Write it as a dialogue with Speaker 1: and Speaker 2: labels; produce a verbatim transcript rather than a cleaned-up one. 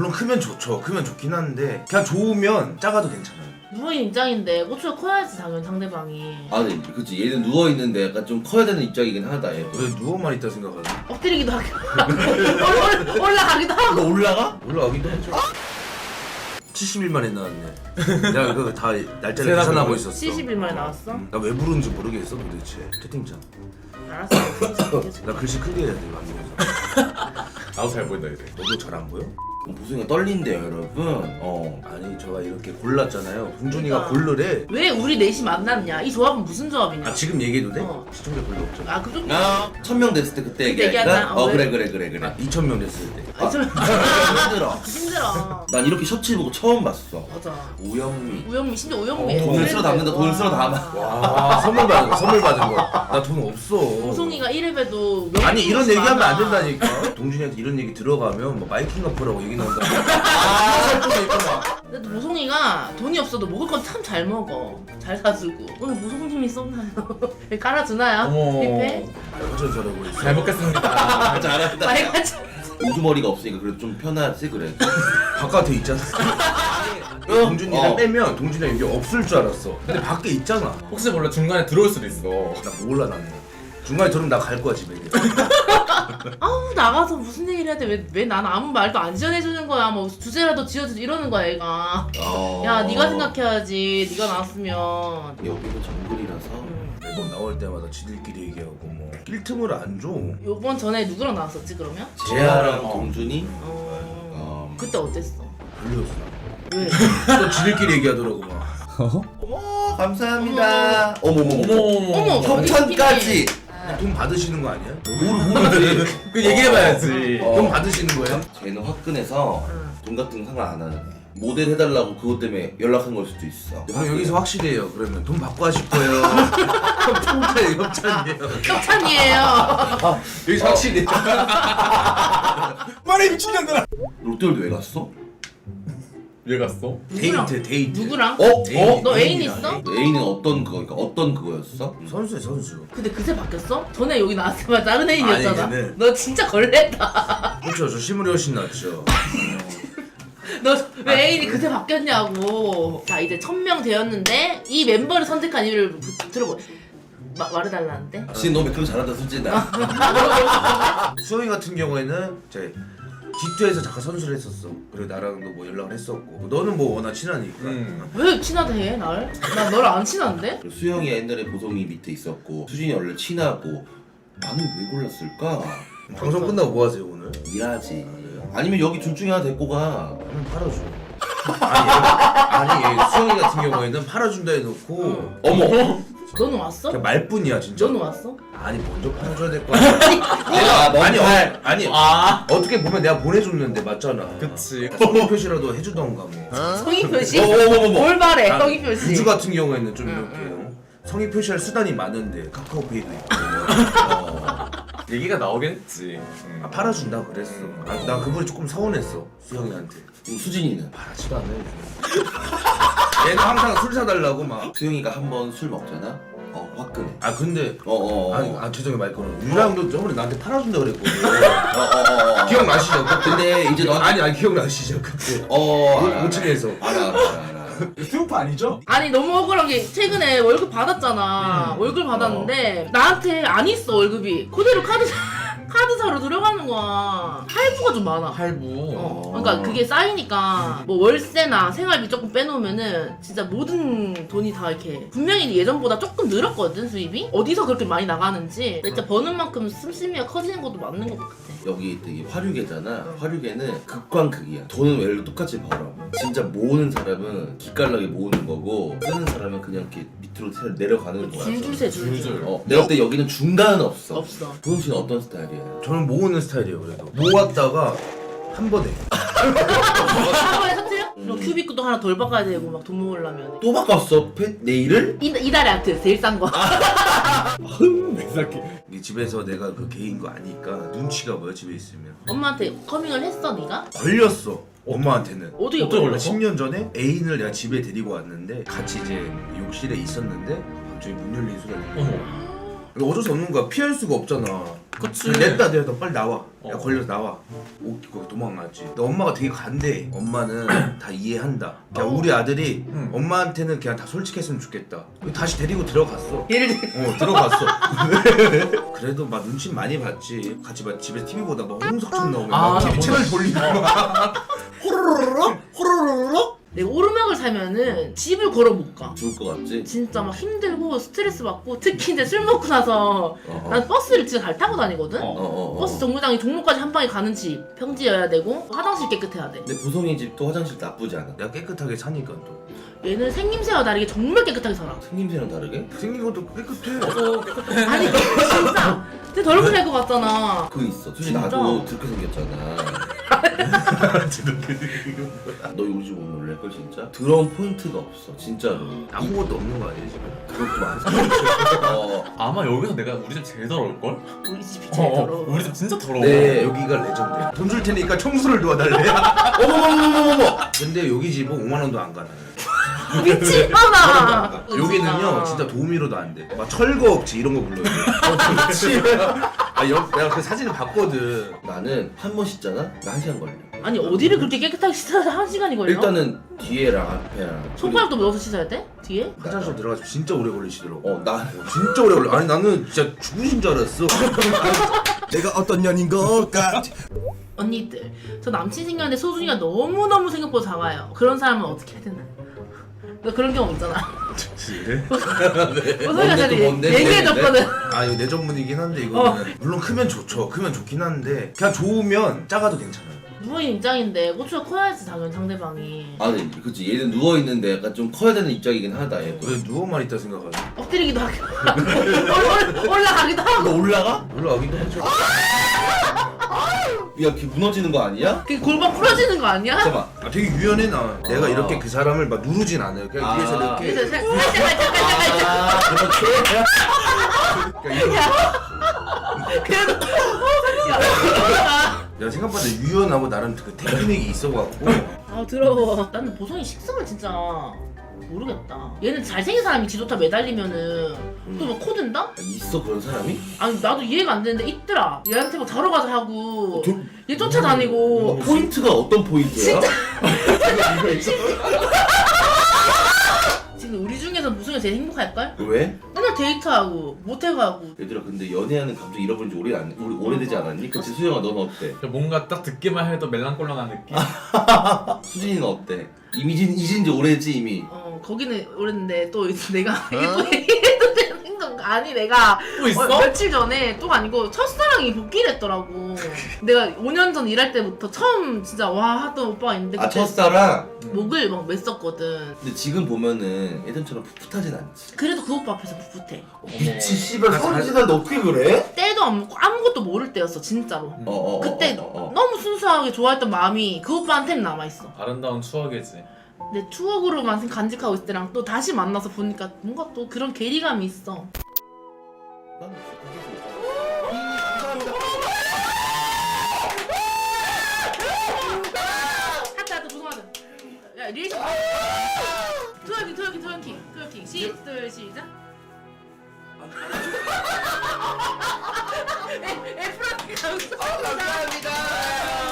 Speaker 1: 좀 크면 좋죠. 크면 좋긴 한데 그냥 좋으면 작아도 괜찮아요.
Speaker 2: 누워있는 입장인데 고추가 커야지 당연히 상대방이.
Speaker 3: 아, 네, 그치. 얘는 누워있는데 약간 좀 커야 되는 입장이긴 하다, 얘.
Speaker 1: 왜 누워만 있다 생각하지?
Speaker 2: 엎드리기도 하고 올라- 올라가기도 하고.
Speaker 3: 너 올라가?
Speaker 1: 올라가기도 하죠. 칠십 일 만에 나왔네. 내가 그거 다 날짜를
Speaker 4: 세나
Speaker 1: 계산하고
Speaker 4: 그거?
Speaker 1: 있었어.
Speaker 2: 칠십 일 만에 나왔어?
Speaker 1: 나 왜 부르는지 모르겠어 도대체. 채팅창.
Speaker 2: 알았어.
Speaker 1: 나 글씨 크게 해야 돼 방송에서.
Speaker 4: 나도 잘 보인다 이제.
Speaker 1: 너도 잘 안 보여?
Speaker 3: 보승이가 떨린대요, 여러분. 어.
Speaker 1: 아니 제가 이렇게 골랐잖아요. 동준이가
Speaker 2: 그러니까.
Speaker 1: 고르래.
Speaker 2: 왜 우리 넷이 만났냐? 이 조합은 무슨 조합이냐?
Speaker 1: 아 지금 얘기해도 돼?
Speaker 2: 어.
Speaker 1: 시청자 별로 없잖아.
Speaker 2: 아, 그 정도?
Speaker 3: 아, 천 명 됐을 때 그때
Speaker 2: 그때
Speaker 3: 얘기할까?
Speaker 2: 얘기하자.
Speaker 3: 어,
Speaker 2: 어,
Speaker 3: 그래,
Speaker 2: 왜?
Speaker 3: 그래, 그래, 그래.
Speaker 1: 아 이천 명 됐을 때.
Speaker 2: 아, 좀
Speaker 3: 힘들어.
Speaker 2: 힘들어.
Speaker 3: 난 이렇게 셔츠 입고 처음 봤어.
Speaker 2: 맞아.
Speaker 3: 오영미.
Speaker 2: 우영미, 심지어 우영미.
Speaker 4: 어,
Speaker 3: 돈을 쓸어 담는다, 돈을 쓸어 담아.
Speaker 1: 와 선물 받은 거 선물 받은 거. 나 돈 없어.
Speaker 2: 보송이가 이래봬도
Speaker 1: 아니 이런 얘기하면 안 된다니까. 동준이한테 이런 얘기 들어가면 뭐 마이킹 어프라고 얘기 나온다. 아 살쪽에 있구나.
Speaker 2: 근데 보송이가 돈이 없어도 먹을 건 참 잘 먹어. 잘 사주고. 오늘 보송님이 쏜나요? 깔아주나요?
Speaker 4: 어머.
Speaker 2: 뷔페?
Speaker 1: 완전 잘하고 있어.
Speaker 4: 잘 먹겠습니다.
Speaker 3: 아, 잘한다.
Speaker 2: 많이 가져.
Speaker 3: 우두머리가 없으니까 그래도 좀 편하지, 그래.
Speaker 1: 바깥에 있잖아. 동준이랑
Speaker 3: 어.
Speaker 1: 빼면 동준이가 여기 없을 줄 알았어. 근데 밖에 있잖아.
Speaker 4: 혹시 몰라 중간에 들어올 수도 있어.
Speaker 1: 나 몰라 나는. 중간에 들으면 나 갈 거야 집에.
Speaker 2: 아우 나가서 무슨 얘기를 해야 돼? 왜 왜 난 아무 말도 안 지어내주는 거야? 뭐 주제라도 지어주지 이러는 거야 얘가.
Speaker 3: 어.
Speaker 2: 야 네가 생각해야지. 네가 나왔으면.
Speaker 3: 여기도 정글이라서.
Speaker 2: 음.
Speaker 1: 매번 나올 때마다 지들끼리 얘기하고 뭐 낄 틈을 안 줘.
Speaker 2: 요번 전에 누구랑 나왔었지 그러면?
Speaker 3: 재하랑
Speaker 4: 어.
Speaker 3: 동준이.
Speaker 2: 어.
Speaker 3: 어.
Speaker 2: 그때 어땠어?
Speaker 1: 별로였어.
Speaker 2: 왜?
Speaker 1: 또 지들끼리 얘기하더라고 막.
Speaker 3: 어머, 감사합니다. 어머머머.
Speaker 4: 어머
Speaker 2: 어머.
Speaker 3: 협찬까지.
Speaker 1: 돈 받으시는 거 아니야?
Speaker 3: 모르지.
Speaker 4: 그 얘기해봐야지.
Speaker 3: 어.
Speaker 1: 돈 받으시는 거예요?
Speaker 3: 쟤는 화끈해서
Speaker 2: 응.
Speaker 3: 돈 같은 거 상관 안 하는 애. 모델 해달라고 그것 때문에 연락한 걸 수도 있어.
Speaker 1: 형 여기서 확실해요. 그러면 돈 받고 하실 거예요. 협찬이에요, 협찬이에요.
Speaker 2: 협찬이에요.
Speaker 1: 여기서 확실해.
Speaker 4: 말해 미친년들아.
Speaker 3: 롯데월드 왜 갔어?
Speaker 4: 왜 갔어?
Speaker 2: 누구랑?
Speaker 1: 데이트, 데이트.
Speaker 2: 누구랑?
Speaker 3: 어? 어?
Speaker 2: 너 애인
Speaker 1: 애인이랑
Speaker 2: 있어?
Speaker 1: 애인.
Speaker 3: 애인은 어떤 그거? 그러니까 어떤 그거였어?
Speaker 1: 선수야 선수.
Speaker 2: 근데 그새 바뀌었어? 전에 여기 나왔을 때 다른 애인이었잖아.
Speaker 1: 아니, 걔는-
Speaker 2: 너 진짜 걸렸다.
Speaker 1: 그렇죠. 저 실물이 훨씬 낫죠.
Speaker 2: 너 왜 애인이 그새 바뀌었냐고. 자 이제 천 명 되었는데 이 멤버를 선택한 이유를 부- 들어보. 마, 말해달라는데?
Speaker 3: 지금 너 매크로 잘한다 솔직히 나.
Speaker 1: 수영이 같은 경우에는 제 디투에서 잠깐 선수를 했었어. 그리고 나랑도 뭐 연락을 했었고. 너는 뭐 워낙 친하니까.
Speaker 4: 음.
Speaker 2: 왜 친하다 해 날? 나 너랑 안 친한데?
Speaker 3: 그리고 수영이가 옛날에 보성이 밑에 있었고 수진이 원래 친하고 나는 왜 골랐을까?
Speaker 1: 방송 끝나고 뭐 하세요 오늘?
Speaker 3: 일하지. 아니면 여기 둘 중에 하나 데리고 가.
Speaker 1: 한번 팔아줘. 아니, 얘, 아니 얘 수영이 같은 경우에는 팔아준다 해놓고
Speaker 2: 응.
Speaker 3: 어머.
Speaker 2: 너는 왔어?
Speaker 1: 그냥 말뿐이야 진짜.
Speaker 2: 너는 왔어?
Speaker 1: 아니 먼저 팔아줘야 될 거 아니야.
Speaker 3: 내가
Speaker 1: 아니
Speaker 3: 먼저
Speaker 1: 아니 아니
Speaker 4: 아.
Speaker 1: 어떻게 보면 내가 보내줬는데 맞잖아.
Speaker 4: 그치.
Speaker 1: 성의 표시라도 해주던가 뭐.
Speaker 2: 성의 표시?
Speaker 3: 어머머머머.
Speaker 2: 뭘 바래
Speaker 1: 아,
Speaker 2: 성의 표시.
Speaker 1: 우주 같은 경우에는 좀
Speaker 2: 응,
Speaker 1: 이렇게
Speaker 2: 응.
Speaker 1: 성의 표시할 수단이 많은데 카카오페이도 있고. 어.
Speaker 4: 얘기가 나오긴 했지. 음.
Speaker 1: 아, 팔아준다 그랬어. 아, 나 그분이 조금 서운했어 수영이한테.
Speaker 3: 그럼 수진이는?
Speaker 1: 팔아지도 않아. 얘는 항상 술 사달라고 막.
Speaker 3: 수영이가 한 번 술 먹잖아? 어 화끈해.
Speaker 1: 아 근데
Speaker 3: 어어.
Speaker 1: 아니 아 죄송해 말 끊어. 유랑도 저번에 나한테 팔아준다 그랬거든.
Speaker 3: 어어어.
Speaker 1: 기억나시죠? 그때?
Speaker 3: 근데 이제 너
Speaker 1: 아니 아니 기억나시죠 그때?
Speaker 3: 어. 알아,
Speaker 1: 오 층에서.
Speaker 3: 알아 알아 알아. 알아.
Speaker 4: 스투프 아니죠?
Speaker 2: 아니 너무 억울한 게 최근에 월급 받았잖아.
Speaker 1: 음.
Speaker 2: 월급 받았는데 나한테 안 있어 월급이. 그대로 카드 카드사로 들어가는 거야. 할부가 좀 많아.
Speaker 4: 할부.
Speaker 2: 어. 그러니까 그게 쌓이니까 뭐 월세나 생활비 조금 빼놓으면은 진짜 모든 돈이 다 이렇게 분명히 예전보다 조금 늘었거든 수입이. 어디서 그렇게 많이 나가는지 진짜 버는 만큼 씀씀이가 커지는 것도 맞는 것 같아.
Speaker 3: 여기 되게 화류계잖아. 화류계는 극광극이야. 돈은 원래 똑같이 벌어. 진짜 모으는 사람은 기깔나게 모으는 거고 쓰는 사람은 그냥 이렇게 밑으로 내려가는 거야.
Speaker 2: 줄줄 세 줄줄.
Speaker 4: 줄줄.
Speaker 3: 어, 내가 볼 때 여기는 중간은 없어.
Speaker 2: 없어.
Speaker 3: 보성 씨는 어떤 스타일이야?
Speaker 1: 저는 모으는 스타일이에요 그래도. 모았다가 한 번에.
Speaker 2: 한 번에 터트려?
Speaker 3: 음.
Speaker 2: 그럼 큐비크도 하나 덜 바꿔야 되고 막 돈 모으려면.
Speaker 3: 또 바꿨어? 페, 네일을?
Speaker 2: 이, 이달의 아트 제일 싼 거.
Speaker 4: 내 새끼.
Speaker 1: 이게 집에서 내가 그 개인 거 아니까 눈치가 뭐야 집에 있으면.
Speaker 2: 엄마한테 커밍을 했어 네가?
Speaker 1: 걸렸어 엄마한테는.
Speaker 2: 어떻게
Speaker 4: 어떻게
Speaker 2: 걸려?
Speaker 4: 걸렸어?
Speaker 1: 십 년 전에 애인을 내가 집에 데리고 왔는데 같이 이제 욕실에 있었는데 갑자기 문 열리는 소리가 들려.
Speaker 4: 어머.
Speaker 1: 근데 어쩔 수 없는 거야. 피할 수가 없잖아.
Speaker 2: 그치.
Speaker 1: 냈다 냈다 빨리 나와. 야
Speaker 4: 어.
Speaker 1: 걸려서 나와. 오 그거 도망갔지. 근데 엄마가 되게 간대. 엄마는 다 이해한다. 그냥
Speaker 2: 어.
Speaker 1: 우리 아들이
Speaker 4: 응.
Speaker 1: 엄마한테는 그냥 다 솔직했으면 좋겠다. 다시 데리고 들어갔어.
Speaker 2: 예를 들어
Speaker 1: 어 들어갔어. 그래도 막 눈치 많이 봤지. 같이 막 집에서 티비 보다 막 홍석천 나오면
Speaker 4: 아,
Speaker 1: 막 티비
Speaker 4: 나
Speaker 1: 채널 돌리고 막 호로로로로 호로로로로.
Speaker 2: 내가 오르막을 살면은 집을 걸어 못 가.
Speaker 3: 죽을 것 같지?
Speaker 2: 진짜 막 힘들고 스트레스 받고 특히 이제 술 먹고 나서
Speaker 3: 어, 어.
Speaker 2: 난 버스를 진짜 잘 타고 다니거든.
Speaker 4: 어.
Speaker 3: 어, 어, 어.
Speaker 2: 버스 정류장이 종로까지 한 방에 가는 집, 평지여야 되고 화장실 깨끗해야 돼.
Speaker 3: 근데 보성이 집도 화장실 나쁘지 않아.
Speaker 1: 내가 깨끗하게 사니까 또
Speaker 2: 얘는 생김새와 다르게 정말 깨끗하게 살아.
Speaker 3: 생김새랑 다르게?
Speaker 1: 생긴 것도 깨끗해.
Speaker 2: 아니 진짜 되게 더럽게 살 것 같잖아.
Speaker 3: 그거 있어. 솔직히
Speaker 2: 진짜?
Speaker 3: 나도 그렇게 생겼잖아. 너 우리 집 오면 놀랄걸 진짜? 더러운 포인트가 없어 진짜로.
Speaker 1: 아무것도 없는 거 아니야 지금?
Speaker 3: 그것도 많아. 어,
Speaker 4: 아마 여기서 내가 우리 집 제일 더러울걸?
Speaker 2: 우리 집이 제일
Speaker 4: 어,
Speaker 2: 더러워.
Speaker 4: 우리 집 진짜 더러워.
Speaker 3: 네.
Speaker 1: 여기가 레전드야. 돈 줄 테니까 청소를 도와달래.
Speaker 3: 어머머머머머머.
Speaker 1: 근데 여기 집은 오만 원도 안 가나.
Speaker 2: 미친놈아.
Speaker 1: 여기는요 진짜 도우미로도 안 돼. 막 철거업체 이런 거 불러요. 아, 여, 내가 그 사진을 봤거든.
Speaker 3: 나는 한 번 씻잖아? 나 한 시간 걸려.
Speaker 2: 아니 어디를 그렇게 깨끗하게 씻어야 한 시간이 걸려?
Speaker 3: 일단은 뒤에랑 앞에랑.
Speaker 2: 손가락도 넣어서 씻어야 돼? 뒤에?
Speaker 1: 화장실 들어가서 진짜 오래 걸리시더라고.
Speaker 3: 어, 나.
Speaker 1: 진짜 오래 걸려. 아니 나는 진짜 죽으신 줄 알았어.
Speaker 5: 내가 어떤 년인 걸까?
Speaker 2: 언니들 저 남친 생겼는데 소중이가 너무너무 생각보다 작아요. 그런 사람은 어떻게 해야 되나? 너 그런 경험 있잖아.
Speaker 1: 그래?
Speaker 2: 소중이가
Speaker 3: 뭔데
Speaker 2: 전에
Speaker 3: 또 뭔데?
Speaker 2: 얘기해줬거든.
Speaker 1: 아 이거 내 전문이긴 한데 이거는 물론 크면 좋죠. 크면 좋긴 한데 그냥 좋으면 작아도 괜찮아요.
Speaker 2: 누워있는 입장인데 고추가 커야지 당연히 상대방이.
Speaker 3: 아, 네, 그치. 얘는 누워있는데 약간 좀 커야 되는 입장이긴 하다, 얘.
Speaker 1: 왜 누워만 있다 생각하지?
Speaker 2: 엎드리기도 하고 올- 올라가기도 하고.
Speaker 3: 너 올라가?
Speaker 1: 올라가기도 하죠.
Speaker 3: 야, 걔 무너지는 거 아니야?
Speaker 2: 그 골반 부러지는 거 아니야?
Speaker 3: 잠깐만.
Speaker 1: 아 되게 유연해 나. 내가
Speaker 3: 아.
Speaker 1: 이렇게 그 사람을 막 누르진 않아요. 그냥
Speaker 3: 아.
Speaker 1: 위에서 이렇게.
Speaker 2: 그래서 살- 살짝 살짝 살짝 살짝.
Speaker 3: 아, 그렇게?
Speaker 1: 그러니까 이런-
Speaker 2: 그래도 어 살짝.
Speaker 1: 내가 생각보다 유연하고 나름 그 테크닉이 있어갖고.
Speaker 2: 아 더러워. 나는 보성이 식성을 진짜 모르겠다. 얘는 잘생긴 사람이 지도타 매달리면은 또 막 코든다?
Speaker 3: 아, 있어, 그런 사람이?
Speaker 2: 아니 나도 이해가 안 되는데 있더라. 얘한테 막 자러 가자 하고
Speaker 3: 저-
Speaker 2: 얘 쫓아다니고.
Speaker 3: 어, 포인트가 어떤 포인트야?
Speaker 2: 지금 우리 중에서 무슨 제일 행복할걸?
Speaker 3: 왜?
Speaker 2: 맨날 데이트하고 모텔가고.
Speaker 3: 얘들아, 근데 연애하는 감정 잃어버린 지 오래 안, 오래, 오래되지 않았니? 그치, 수영아, 넌 어때?
Speaker 4: 뭔가 딱 듣기만 해도 멜랑꼴랑한 느낌?
Speaker 3: 수진이는 어때? 이미 잊은, 잊은 지 오래지, 이미.
Speaker 2: 어 거기는 오랬는데 또 이제 내가 이게 또 얘기해도 되는 건가? 아니 내가
Speaker 4: 또 있어?
Speaker 2: 어, 며칠 전에 또가 아니고 첫사랑이 복귀를 했더라고. 내가 오 년 전 일할 때부터 처음 진짜 와 하던 오빠가 있는데
Speaker 3: 아,
Speaker 2: 그때
Speaker 3: 첫사랑?
Speaker 2: 목을 막 맸었거든.
Speaker 3: 근데 지금 보면은 예전처럼 풋풋하진 않지.
Speaker 2: 그래도 그 오빠 앞에서 풋풋해.
Speaker 3: 미치, 씨발, 서른 살인데 어떻게 그래?
Speaker 2: 때도 안 먹고 아무것도 모를 때였어 진짜로.
Speaker 3: 어, 어, 어,
Speaker 2: 그때
Speaker 3: 어, 어, 어.
Speaker 2: 너무 순수하게 좋아했던 마음이 그 오빠한테는 남아있어.
Speaker 4: 아름다운 추억이지.
Speaker 2: 내 추억으로만 간직하고 있을 때랑 또 다시 만나서 보니까 뭔가 또 그런 괴리감이 있어.
Speaker 3: 난 그게
Speaker 2: 하트 하트 조성하자. 야 리액션. 트월킹 트월킹 트월킹 트월킹 시둘 시작. 에 에프라티 감사합니다.